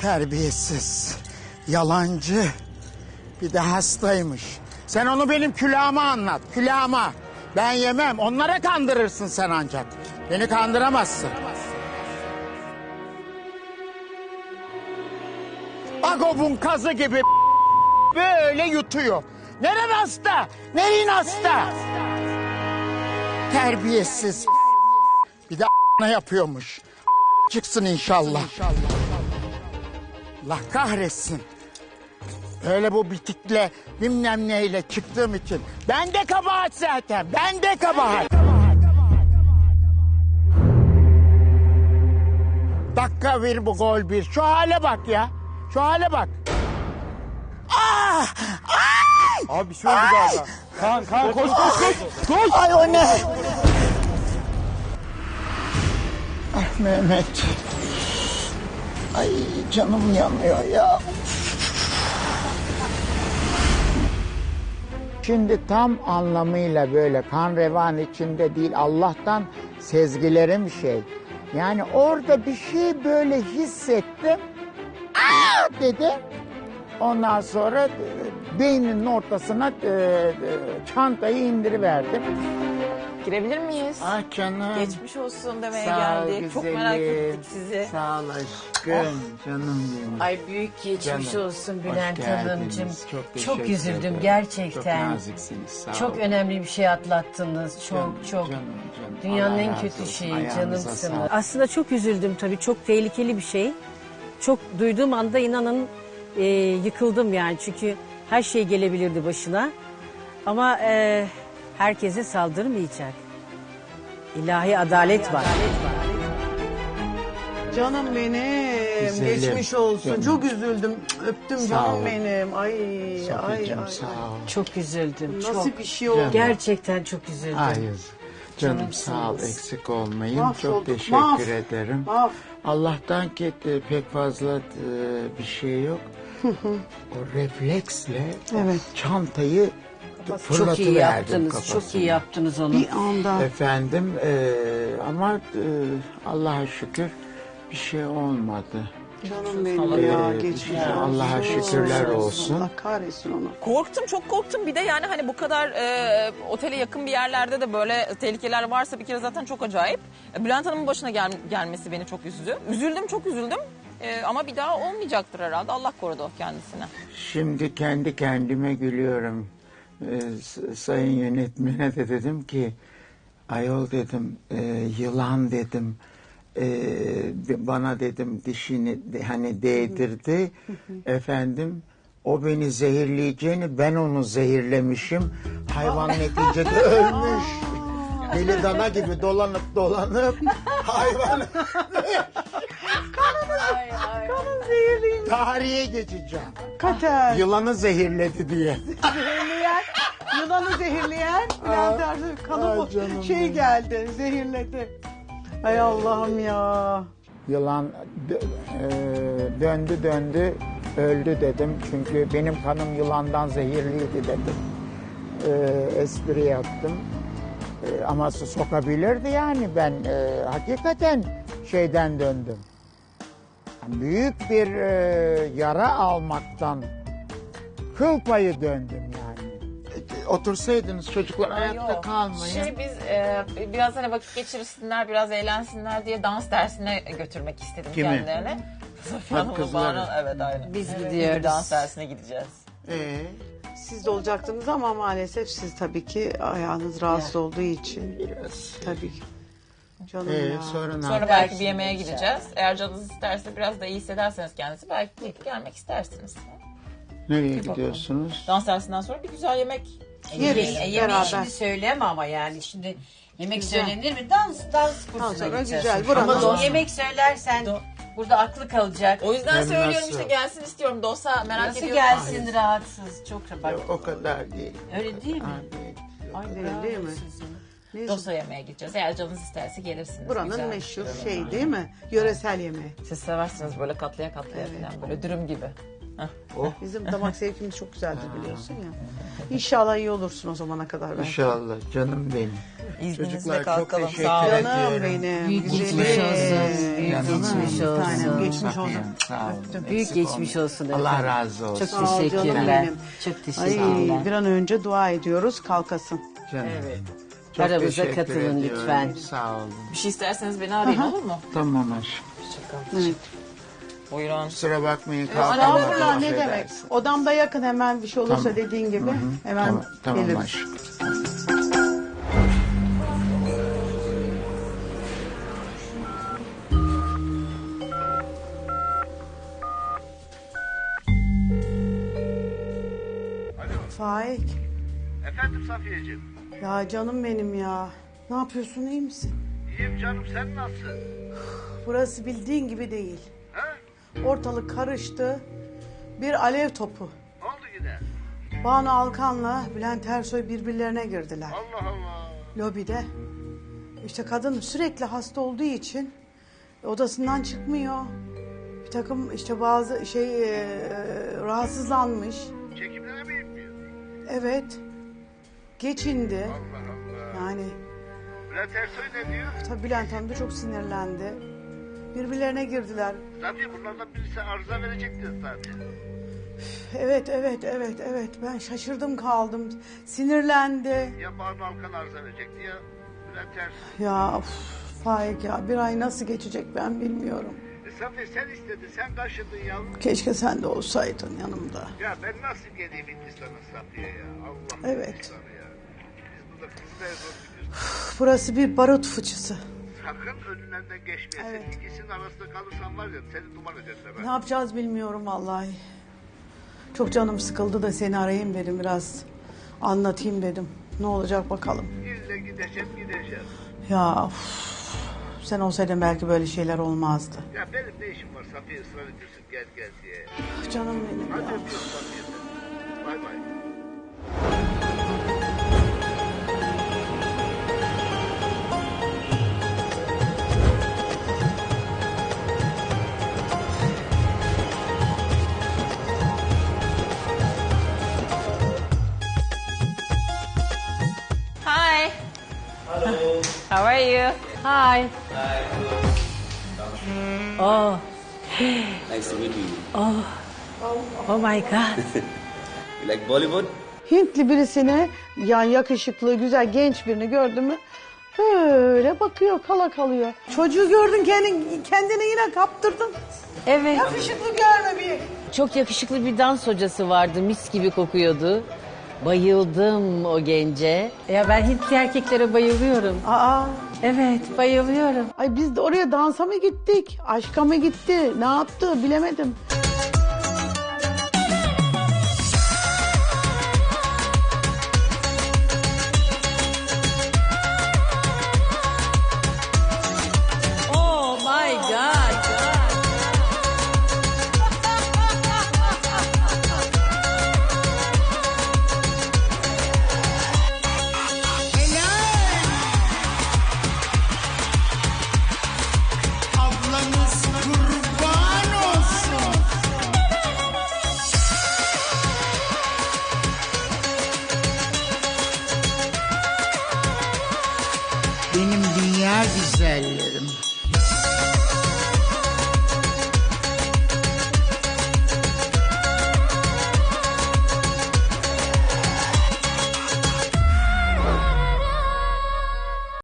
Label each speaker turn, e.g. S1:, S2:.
S1: Terbiyesiz, yalancı, bir de hastaymış. Sen onu benim külahıma anlat, külahıma. Ben yemem, onlara kandırırsın sen ancak. Beni kandıramazsın. Agob'un kazı gibi böyle yutuyor. Neren hasta? Nerin hasta? Terbiyesiz. Bir de yapıyormuş. Çıksın inşallah. Allah kahretsin. Öyle bu bitikle bilmem neyle çıktığım için. Ben de kabahat zaten. Ben de kabahat. Dakika bir bu gol bir. Şu hale bak ya. Şu hale bak. Ah! Ay!
S2: Abi bir şey oldu galiba. Kaan koş. Koş.
S1: Ay o ne? Ah Mehmet. Ay canım yanıyor ya. Şimdi tam anlamıyla böyle kan revan içinde değil, Allah'tan sezgilerim şey. Yani orada bir şey böyle hissettim. Aa dedi. Ondan sonra beyninin ortasına çantayı indiriverdim.
S3: Girebilir miyiz?
S1: Ah canım.
S3: Geçmiş olsun demeye
S1: Sağ ol
S3: geldik. Çok
S1: güzelim.
S3: merak ettik sizi.
S1: Sağ ol aşkım. Canım benim.
S4: Ay büyük geçmiş
S1: Canım,
S4: olsun
S1: hoş
S4: Bülent
S1: geldiniz.
S4: Hanımcığım.
S1: Çok
S4: Çok
S1: teşekkür
S4: üzüldüm
S1: ederim.
S4: gerçekten.
S1: Çok naziksiniz. Sağ
S4: Çok
S1: olun.
S4: önemli bir şey atlattınız. Çok.
S1: Canım.
S4: Dünyanın
S1: Allah
S4: en
S1: razı
S4: kötü
S1: olsun.
S4: şeyi
S1: Ayağınıza
S4: canımsınız.
S1: sağlık.
S5: Aslında çok üzüldüm tabii. Çok tehlikeli bir şey. Çok duyduğum anda inanın yıkıldım yani. Çünkü her şey gelebilirdi başına. Ama herkese saldırmayacak. İlahi adalet var.
S6: Canım benim,
S1: Güzelim.
S6: geçmiş olsun.
S1: Canım.
S6: Çok üzüldüm. Öptüm
S1: Sağ
S6: canım
S1: ol.
S6: benim. Ay,
S1: Sofyacığım,
S6: ay.
S1: sağ ol.
S4: Çok üzüldüm.
S6: Nasıl
S4: Çok.
S6: bir şey oldu?
S4: Gerçekten çok üzüldüm.
S1: Hayır. Canım
S4: Canımsınız.
S1: sağ ol, eksik olmayın.
S6: Mahvolduk,
S1: Çok teşekkür
S6: mahv.
S1: ederim.
S6: Mahv.
S1: Allah'tan ki pek fazla bir şey yok. O refleksle
S6: Evet.
S1: çantayı
S4: Çok iyi
S1: fırlatıverdim
S4: yaptınız.
S1: kafasına.
S4: Çok iyi yaptınız onu.
S6: Bir anda.
S1: Efendim ama Allah'a şükür bir şey olmadı.
S6: Canım benim ya, geçmiş olsun.
S1: Allah'a şükürler olsun.
S6: Allah kahretsin onu.
S3: Korktum, çok korktum. Bir de yani hani bu kadar otele yakın bir yerlerde de böyle tehlikeler varsa bir kere zaten çok acayip. Bülent Hanım'ın başına gelmesi beni çok üzdü. Üzüldüm, çok üzüldüm. Ama bir daha olmayacaktır herhalde. Allah korudu kendisine.
S1: Şimdi kendi kendime gülüyorum. Sayın yönetmene de dedim ki ayol dedim yılan dedim bana dedim dişini hani değdirdi efendim o beni zehirleyeceğini ben onu zehirlemişim hayvan neticede ölmüş deli dana gibi dolanıp hayvan
S6: Kanım zehirliyim.
S1: tarihe geçeceğim
S6: Kater.
S1: yılanı zehirledi diye.
S6: Zehirleyen, yılanı zehirleyen Bülent Ersoy kanı
S1: canım
S6: şey
S1: benim.
S6: geldi, zehirledi. Ay Allah'ım ya.
S1: Yılan döndü öldü dedim. Çünkü benim kanım yılandan zehirliydi dedim. Espri yaptım. Ama sokabilirdi yani ben hakikaten şeyden döndüm. Büyük bir yara almaktan kıl payı döndüm yani. Otursaydınız çocuklar ayakta
S3: Yok.
S1: kalmayın.
S3: Biz biraz hani vakit geçirsinler, biraz eğlensinler diye dans dersine götürmek istedim
S1: Kimi?
S3: kendilerine. Safiye Hanım'ın
S1: kızları.
S3: bana, evet aynen.
S4: Biz
S3: Evet,
S4: gidiyoruz.
S3: bir dans dersine gideceğiz.
S6: Siz de olacaktınız ama maalesef siz tabii ki ayağınız rahatsız olduğu için.
S1: Biraz.
S6: Tabii ki. Canım ya.
S1: Sonra ne
S3: Sonra
S1: yapalım?
S3: belki bir yemeğe gideceğiz. Eğer canınız isterse biraz da iyi hissederseniz kendisi belki gelmek istersiniz.
S1: Nereye gidiyorsunuz?
S3: Dans dersinden sonra bir güzel yemek
S6: Yeriz
S4: Yemeği
S6: beraber.
S4: şimdi söyleme ama yani şimdi yemek söylenir mi? Dans kursuna
S6: sonra
S4: gideceğiz.
S6: güzel, buranın
S4: Ama
S6: don-
S4: yemek söylersen burada aklı kalacak.
S3: O yüzden
S1: Hem
S3: söylüyorum
S1: nasıl?
S3: işte gelsin istiyorum. Dosa merak
S4: Nasıl
S3: ediyorum.
S4: gelsin rahatsız? Çok bak.
S1: O kadar değil.
S4: Öyle değil mi?
S1: Değil.
S4: Ay
S6: Değil mi? Neyse,
S3: Dosa yemeğe gideceğiz. Eğer canınız isterse gelirsiniz.
S6: buranın
S3: Güzel.
S6: meşhur şey değil mi? Yöresel yemeği.
S3: Siz seversiniz böyle katlaya katlaya falan böyle dürüm gibi.
S6: Bizim damak zevkimiz çok güzeldir biliyorsun ya. İnşallah iyi olursun o zamana kadar.
S1: İnşallah canım benim.
S3: İzninizle
S1: Çocuklar çok
S3: kalkalım.
S1: teşekkür
S3: Sağ olun.
S6: Canım
S1: ediyorum.
S6: benim.
S5: Büyük
S6: güzelim.
S5: geçmiş olsun. Büyük
S1: Canım
S5: geçmiş
S1: benim.
S5: olsun.
S6: Tanem, geçmiş olsun.
S1: Safiyem, sağ olun.
S5: Büyük
S1: Eksik
S5: geçmiş
S1: olmayın.
S5: olsun
S1: Allah
S5: efendim.
S1: razı olsun.
S5: Çok
S6: Sağ ol canım
S5: teşekkürler.
S6: benim.
S5: Çok
S6: Ay,
S5: teşekkürler.
S6: bir an önce dua ediyoruz kalkasın.
S1: Canım.
S5: Evet.
S1: Çok
S5: Aramıza
S1: teşekkür
S5: katılın
S1: ediyorum.
S5: lütfen.
S1: Sağ olun.
S3: Bir şey isterseniz beni arayın olur mu?
S1: Tamam aşkım.
S6: Evet.
S3: Buyurun.
S1: Kusura bakmayın
S6: Estağfurullah
S1: kalkamadım.
S6: ne demek. Odamda yakın hemen bir şey olursa
S1: Tamam.
S6: dediğin gibi hemen
S1: Tamam, tamam
S6: geliriz.
S1: aşkım.
S6: Faik.
S7: Efendim Safiyeciğim.
S6: Ya canım benim ya. Ne yapıyorsun iyi misin?
S7: İyiyim canım sen nasılsın?
S6: Burası bildiğin gibi değil.
S7: Ha?
S6: Ortalık karıştı. Bir alev topu.
S7: Ne oldu yine?
S6: Banu Alkan'la Bülent Ersoy birbirlerine girdiler.
S7: Allah Allah.
S6: Lobide. İşte kadın sürekli hasta olduğu için odasından çıkmıyor. Bir takım işte bazı rahatsızlanmış.
S7: Çekimlere mi inmiyor?
S6: Evet. Geçindi.
S7: Allah Allah.
S6: Yani
S7: Bülent Ersoy ne diyor?
S6: tabii Bülent Hanım da çok sinirlendi. Birbirlerine girdiler.
S7: Zaten bunlardan birisi arıza verecekti zaten.
S6: Evet. Ben şaşırdım kaldım. Sinirlendi.
S7: Ya Banu Alkan arıza verecekti ya Bülent Ersoy.
S6: Ya of, Faik ya bir ay nasıl geçecek ben bilmiyorum.
S7: Safiye sen istedin sen taşıdın yavrum.
S6: Keşke sen de olsaydın yanımda.
S7: Ya ben nasıl geleyim Hindistan'a Safiye ya? Allah
S6: Evet.
S7: Hindistan'a ya. Biz burada kızlar zor gidiyoruz.
S6: Burası bir barut fıçısı.
S7: Sakın önlerinden geçmeyesin.
S6: Evet.
S7: İkisinin arasında kalırsan var ya seni duman ederler.
S6: Ne yapacağız bilmiyorum vallahi. Çok canım sıkıldı da seni arayayım dedim biraz. Anlatayım dedim. Ne olacak bakalım.
S7: İlle gideceğim.
S6: Ya of, sen olsaydın belki böyle şeyler olmazdı.
S7: Ya benim ne işim var Safiye ısrar ediyorsun gel diye.
S6: Canım benim
S7: Hadi
S6: ya.
S7: öpüyorum Safiye seni. Bay bay.
S3: Hi. Hello. How are you?
S5: Hi. Oh,
S8: Nice to meet you.
S5: oh my God.
S8: You like Bollywood?
S6: Hintli birisine yani yakışıklı, güzel, genç birini gördü mü böyle bakıyor, kala kalıyor. Çocuğu gördün kendini yine kaptırdın.
S5: Evet.
S6: Yakışıklı görme bir.
S5: Çok yakışıklı bir dans hocası vardı. Mis gibi kokuyordu. Bayıldım o gence. Ya ben Hintli erkeklere bayılıyorum.
S6: Aa,
S5: Evet, bayılıyorum.
S6: ay biz de oraya dansa mı gittik? Aşka mı gitti? Ne yaptı? Bilemedim.
S5: Oh my God.
S1: Ablanız kurban olsun. Benim dünya güzellerim.